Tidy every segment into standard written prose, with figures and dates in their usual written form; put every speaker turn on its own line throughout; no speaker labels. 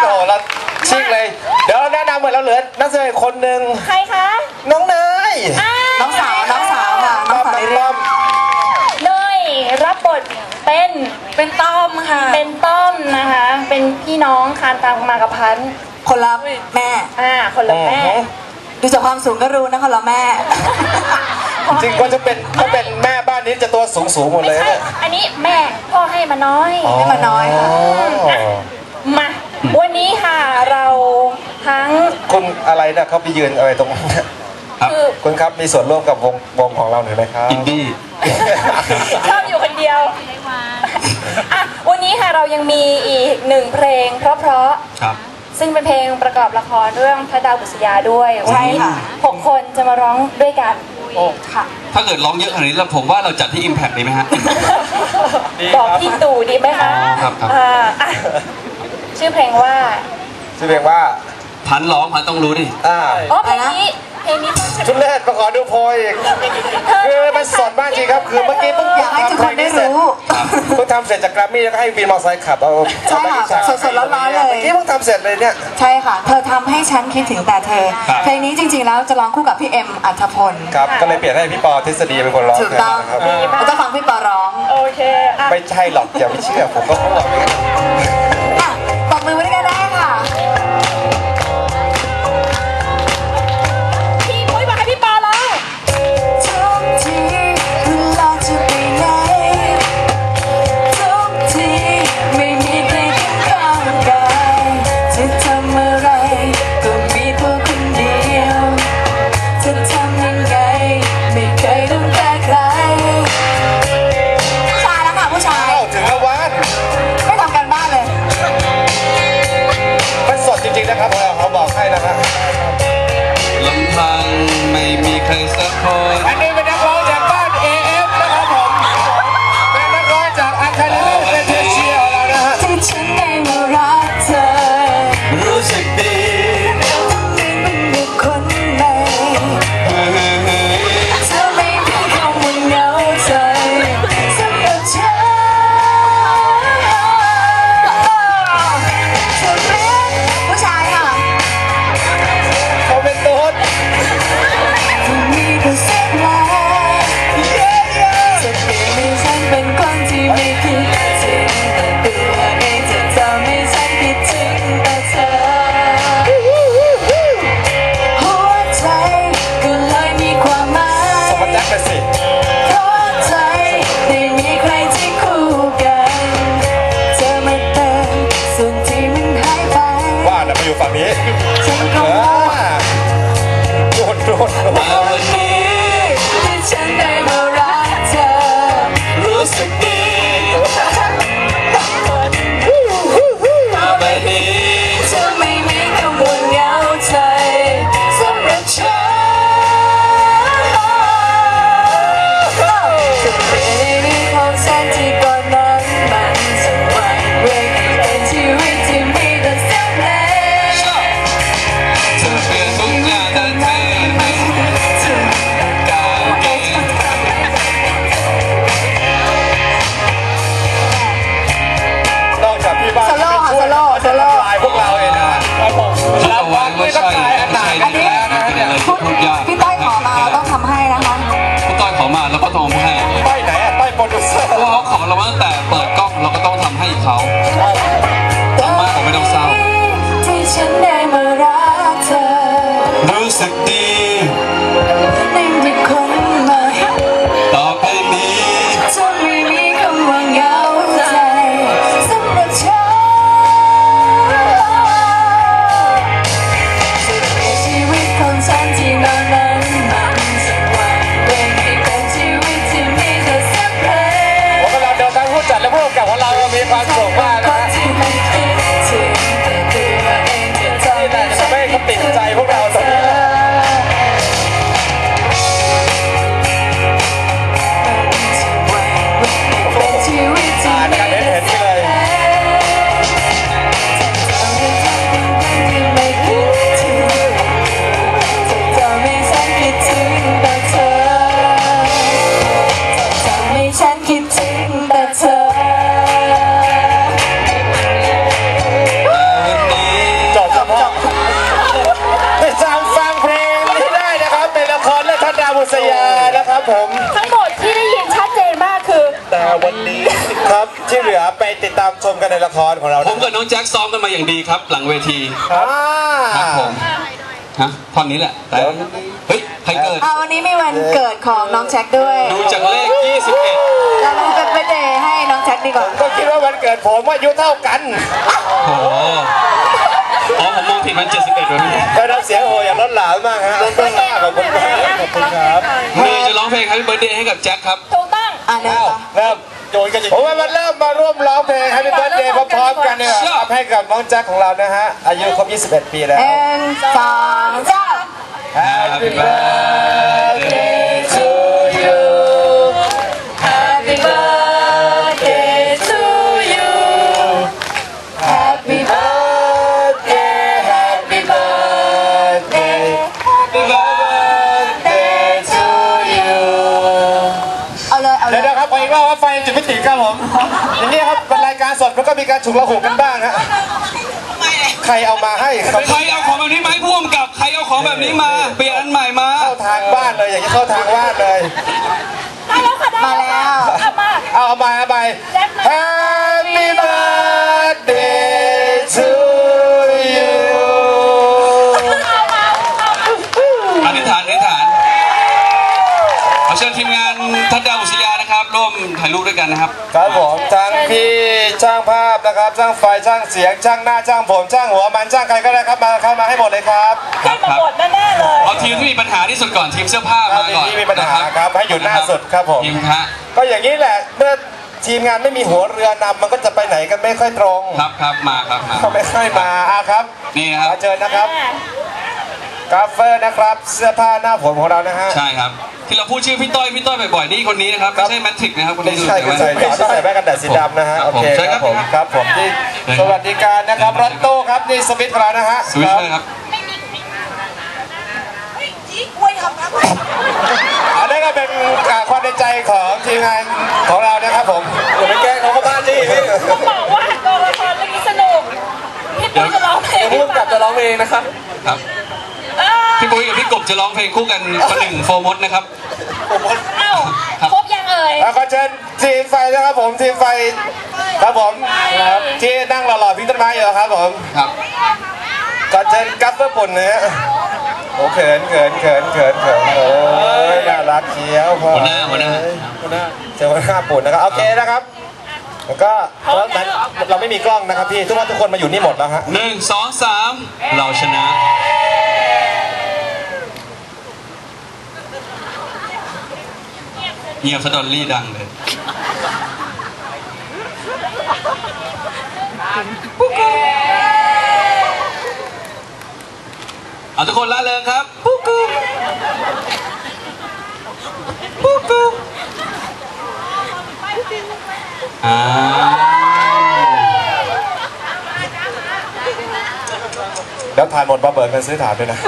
โอ้เราชิงเลย เดี๋ยวเราแนะนำเหมือนเราเหลือนักแสดงคนหนึ่ง
ใครคะ
น้องเนย
น้องสาวค่ะน้องสาวในเรื่อง
เนยรับบทเป็นต้อมค่ะ เป็นต้อมนะคะ เป็นพี่น้องคานตามมากับพันธุ์
คนละแม่
คนละแม่
ดูจากความสูงก็รู้นะคนละแม่
จริงก็จะเป็นแม่บ้านนี้จะตัวสูงหมดเลย
ไม่ใช่
เนี่ย
อันนี้แม่พ่อให้มาน้อย
ให้มาน้อยค่ะ
มาวันนี้ค่ะเราทั้ง
คุณอะไรนะเขาไปยืนอะไรตรงนั้นเนี่ย
คือ
คุณครับมีส่วนร่วมกับวงของเราหน่อยไหมครับ
อินดี้
ชอบอยู่คนเดียวอ่ะวันนี้ค่ะเรายังมีอีกหนึ่งเพลงเพราะ
ครับ
ๆซึ่งเป็นเพลงประกอบละครเรื่องพระดาวบุษยาด้วยวันนี้
ใช่ค่ะ
6 คนจะมาร้องด้วยกันค่ะ
ถ้าเกิดร้องเยอะขนาดนี้แล้วผมว่าเราจัดที่ Impact ดีไหมฮะ
บอกพี่ตู่ดีไหมคะ
ครับครับ
อ่ะชื่อเพลงว่า
ชื่อเพลงว่า
พันร้องพันต้องรู้ดิ
อ๋อเพลงนี้ต้อง
ชุดแรกมาขอดูโพยอีกคือมันสดมากจริงครับ คือเมื่อกี้เพิ่ง
อยากให้ทุกคนได้รู้
เพิ่งทำเสร็จจากแกรมมี่แล้วก็ให้วินมอเตอร์ไซค์ขับเอา
ใช่ค่ะสดๆร้อนๆเลย
เมื่อกี้เพิ่งทำเสร็จเลยเนี่ย
ใช่ค่ะ เธอทำให้ฉันคิดถึงแต่เธอ
ครับ
เพลงนี้จริงๆแล้วจะร้องคู่กับพี่เอ็มอัธพล
ครับก็เลยเปลี่ยนให้พี่ปอทฤษฎีเป็นคนร้อง
ถูกต้อง
ครับ
เราจะฟังพี่ปอร้อง
โอเคอ่ะ
ไม่ใช่หรอกอย่าไปเชื่อผมก็พูด
อ่ะปรบมือไว้ด้วยกันได้ค่ะ
พี่ปุ้ยบอกให้พี่ปอร้อง
ทุกทีเวลาจะไปไหนทุกทีไม่มีใครข้างกายจะทำอะไรก็มีตัวคนเดียวจะทำยังไงไม่เคยต้องการใครผู้ชายแล้วค่ะผู้ชาย
ถึงแล้ววัน
ไม่ทำการบ้านเลย
มันสดจริงๆนะครับเขาบอกให้นะครับ
ลำพังไม่มีใครสักคน
อันนี้เป็นนักร้องจากบ้าน AF นะครับผมเป็นนักร้องจากอันคาริลเฟเทเชียเรานะฮะ
ที่ฉันได้มารักเธอ
รู้สึกดี
เป็นบุคคลใดเธอไม่มีคำว่าเหงาใจสำหรับฉันเธอเป็นผู้ชายค่ะ
เขาเป็นตูด
ที่มีแต่เสียงลายจะเปลี่ยนให้ฉันเป็นคนที่ไม่คิดถึงแต่ตัวเองจะทำให้ฉันคิดถึงแต่เธอ หัวใจก็เลยมีความหมาย
สมบัติแจ็คไปสิ
เพราะใจได้มีใครที่คู่กันเธอมาเติมส่วนที่มันหายไป
ว่าน่ะมาอยู่ฝั่งนี้
ฉันก็
โดน
มาวันนี้
ที่ฉันได้มารักเธอ
รู้สึกดีมาแบบนี้
เธอไม่มีคำว่าเหงาใจสำหรับฉันจะเปลี่ยนในเรื่องของฉันที่ก่อนนั้นมันจะหวั่นไหวเป็นชีวิตที่มีแต่เสียงเพลง
ครของเรา
ผมกับน้องแจ็คซ้อมกันมาอย่างดีครับ หลังเวที
อ่า
ครับผมฮะท่อนนี้แหละแต่เฮ้ยใครเกิด
วันนี้มีวันเกิดของน้องแจ็คด้วย
ดูจากเลข 21
เราเป็นเบอร์เดย์ให้น้องแจ็คดีกว่า
ก็คิดว่าวันเกิดผมอายุเท่ากัน
โอ้โหอ๋อผมมองผิดมัน71เลย
ก็น้ำเสียงโหอย่างล้นหลามมากฮะล้นหลามขอบคุณมากขอบคุณครับ
มีจะร้องเพลง Happy Birthday ให้กับแจ็คครับ
ถูกต้อง
เริ่มต่อ
เริ่มโยนกันอย่างผมว่ามันเริ่มมาร่วมร้องเพลง Happy Birthday พร้อมๆกันเนี่ยครับให้กับน้องแจ็คของเรานะฮะอายุครบ 21 ปีแล้ว
2 3
Happy birthday to you
Happy birthday to you Happy
birthday Happy birthday Happy birthday to you
เอาเลยเอาเล
เดี๋ยวย นะครับขออีกรอบว่าไฟจุดไม่ติดครับผมอย่างนี้ครับเป็นรายการสดมันก็มีการฉุกละหุกกันบ้างฮะใครเอามาให้ครับ
ใครเอาของแบบนี้มาให้พ่วงกับใครเอาของแบบนี้มา เปลี่ยนอันใหม่มา
เข้าทางบ้านเลยอย่างนี้เข้าทางบ้านเลย
ได้แล้วค่ะได้
มาแล้ว
เอามา
เอาไป Happy birthday to you
อธิษฐานขอเชิญทีมงานทัดดาวอุษยานะครับร่วมถ่ายรูปด้วยกันนะครับ
ครับผมทั้งพี่ช่างภาพนะครับช่างไฟช่างเสียงช่างหน้าช่างผมช่างหัวมันช่างใครก็ได้ครับมาเข้ามาให้หมดเลยครับ
ได้มาหมดแน่ๆเลย
เอาทีมที่มีปัญหาที่สุดก่อนทีมเสื้อผ้ามาก่อน
ที่มีปัญหาครับให้อยู่หน้าสุดครับผม
ทีมฮะ
ก็อย่างนี้แหละเมื่อทีมงานไม่มีหัวเรือนำมันก็จะไปไหนกันไม่ค่อยตรง
ครับมาครับมา
เขาไม่ค่อยมาครับ
นี่ครับ
ขอเชิญนะครับกราฟเฟอร์นะครับเสื้อผ้าหน้าผมของเรานะฮะ
ใช่ครับ ที่เราพูดชื่อพี่ต้อยบ่อยๆนี่คนนี้นะครับไม่ใช่แมทริกนะครับคน
ไม่
นี้ดู
ใช่
แต่
คือ
ว่า
ใส่แว่นกันแดดสีดำนะฮะโอเคครับผมครับผมที่สวัสดิการนะครับรถตู้ครับนี่สวิตของเรานะฮะ
สวิชเลยครับ
อันนี้ก็เป็นความในใจของทีมงานของเรานะครับผมอย่าไปแกล้งเขาเข้าบ้านดิพี่
ต้องบอกว่ากองละครเรื่องนี้สนุกพี่ปุ้ยจะร้องเพลง
พุ่งกับจะร้องเองนะครับ
ครับพี่ปุ้ยกับพี่กบจะร้องเพลงคู่กันคนหนึ่งโฟร์มดนะครับ
เอ้าครบยังเอ่ย
แล้วก็เชิญทีมไฟนะครับผมทีมไฟครับผมครับที่นั่งหล่อๆพิงต้นไม้อยู่ครับผม
ครับ
ก็เชิญกัฟเฟอร์ปุ่นนะฮะโอ้เขินโอ้ยน่ารักเชียวพ่อ
หัวหน้า
เจอหัวหน้าปุ่นนะครับโอเคนะครับแล้วก็เราไม่มีกล้องนะครับพี่ทุกคนมาอยู่นี่หมดแล้วฮะ
1 2 3 เราชนะเงียบสะดอนลี่ดังเลยเอาทุกคนละเริงครับปุ๊กกุ๊กปุ๊กกุ๊ก
แล้วทานหมดมาเบิกเงินซื้อถามด้วยนะ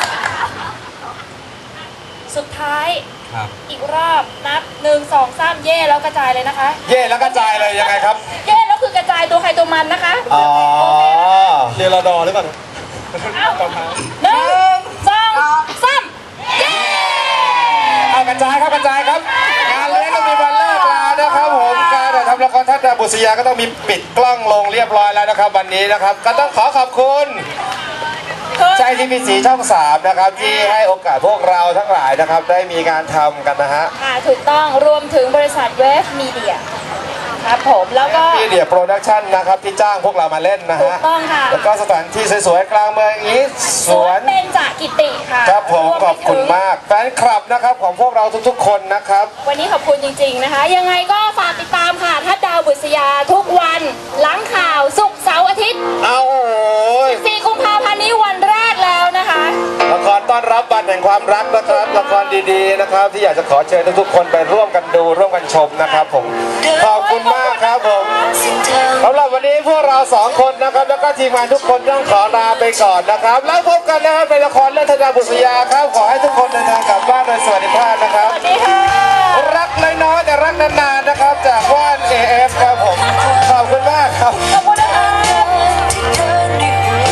สุดท้าย
ครับ
อีกรอบนับ1 2 3เย่แล้วกระจายเลยนะคะ
เย่แล้วกระจายเลยยังไงครับ
เย่แล้วคือกระจายตัวใครตัวมันนะคะ
อ๋อเรียนรอดอหรือเปล่า
เอ้า1 2 3เย่
เอากระจายครับงานเลี้ยงก็มีวันเลิกลานะครับผมการถ่ายทำละครทัศน์บุษยาก็ต้องมีปิดกล้องลงเรียบร้อยแล้วนะครับวันนี้นะครับก็ต้องขอขอบคุณใช่ที่มีสีช่อง3นะครับที่ให้โอกาสพวกเราทั้งหลายนะครับได้มีการทำกันนะฮะ
ค่ะถูกต้องรวมถึงบริษัทเวฟมีเดียครับผมแล้วก็
มีเดียโปรดักชั่นนะครับที่จ้างพวกเรามาเล่นนะ
ถูก
ฮะ
ต้องค่ะ
แล้วก็สถานที่สวยๆกลางเมืองอย่างนี้สวน
เบญจกิติค่ะ
ครับผม
วไป
ขอบคุณ
ถึง
มากแฟนคลับนะครับของพวกเราทุกๆคนนะครับ
วันนี้ขอบคุณจริงๆนะคะ ยังไงก็ฝากติดตามค่ะทัดดาวบุษยาทุกวันหลังข่าวศุกร์เสาร์อาทิตย์
เอาโอ้ย
4 กุมภาพันธ์นี้วันแรกแล้วนะคะ
ละครต้อนรับวันแห่งความรักนะครับละครดีๆนะครับที่อยากจะขอเชิญทุกๆคนไปร่วมกันดูร่วมกันชมนะครับผมขอบคุณมากครับผมสำหรับวันนี้พวกเรา2คนนะครับแล้วก็ทีมงานทุกคนต้องขอลาไปก่อนนะครับแล้วพบกันนะครับในละครเรื่องทัดดาวบุษยาครับขอให้ทุกคนเดินทางกลับบ้านโดยสวัสดิภาพนะครับ
สวัสดีค่ะ
รักน้อยๆแต่รักนานๆนะครับจากว่าน AF ครับผมขอบคุณมากครับ
ขอบคุณ